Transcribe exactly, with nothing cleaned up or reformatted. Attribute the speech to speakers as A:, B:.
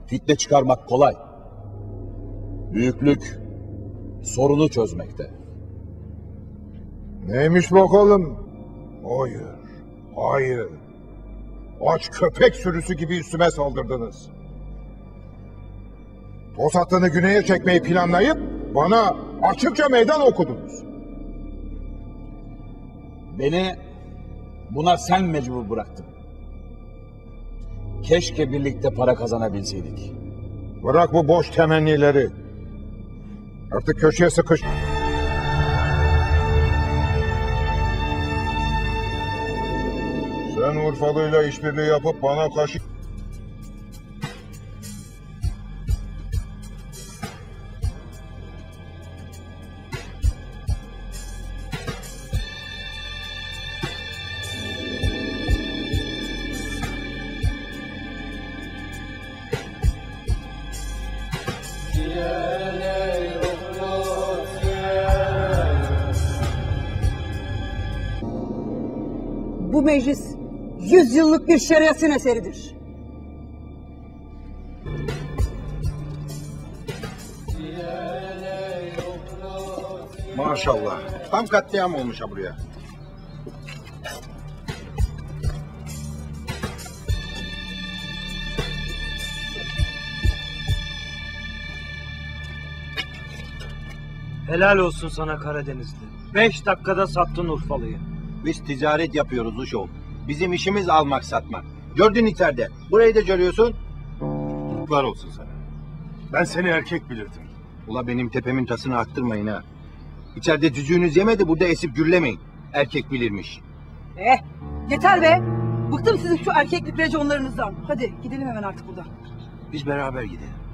A: Fitne çıkarmak kolay. Büyüklük sorunu çözmekte.
B: Neymiş bakalım? Hayır, hayır. Aç köpek sürüsü gibi üstüme saldırdınız. Tosatlı'nı güneye çekmeyi planlayıp bana açıkça meydan okudunuz.
A: Beni buna sen mecbur bıraktın. Keşke birlikte para kazanabilseydik.
B: Bırak bu boş temennileri. Artık köşeye sıkış. Sen Urfalı'yla işbirliği yapıp bana karşı...
C: Bu meclis yüz yıllık bir şeriatın eseridir.
B: Maşallah. Tam katliam olmuş ha buraya.
D: Helal olsun sana Karadenizli. Beş dakikada sattın Urfalı'yı.
E: Biz ticaret yapıyoruz Uşoğlu. Bizim işimiz almak satmak. Gördün içeride. Burayı da görüyorsun.
F: Var olsun sana. Ben seni erkek bilirdim.
E: Ula benim tepemin tasını attırmayın ha. İçeride cücüğünüz yemedi, burada esip gürlemeyin. Erkek bilirmiş.
C: Eh, yeter be. Bıktım sizin şu erkeklik reconlarınızdan. Hadi gidelim hemen artık buradan.
E: Biz beraber gidelim.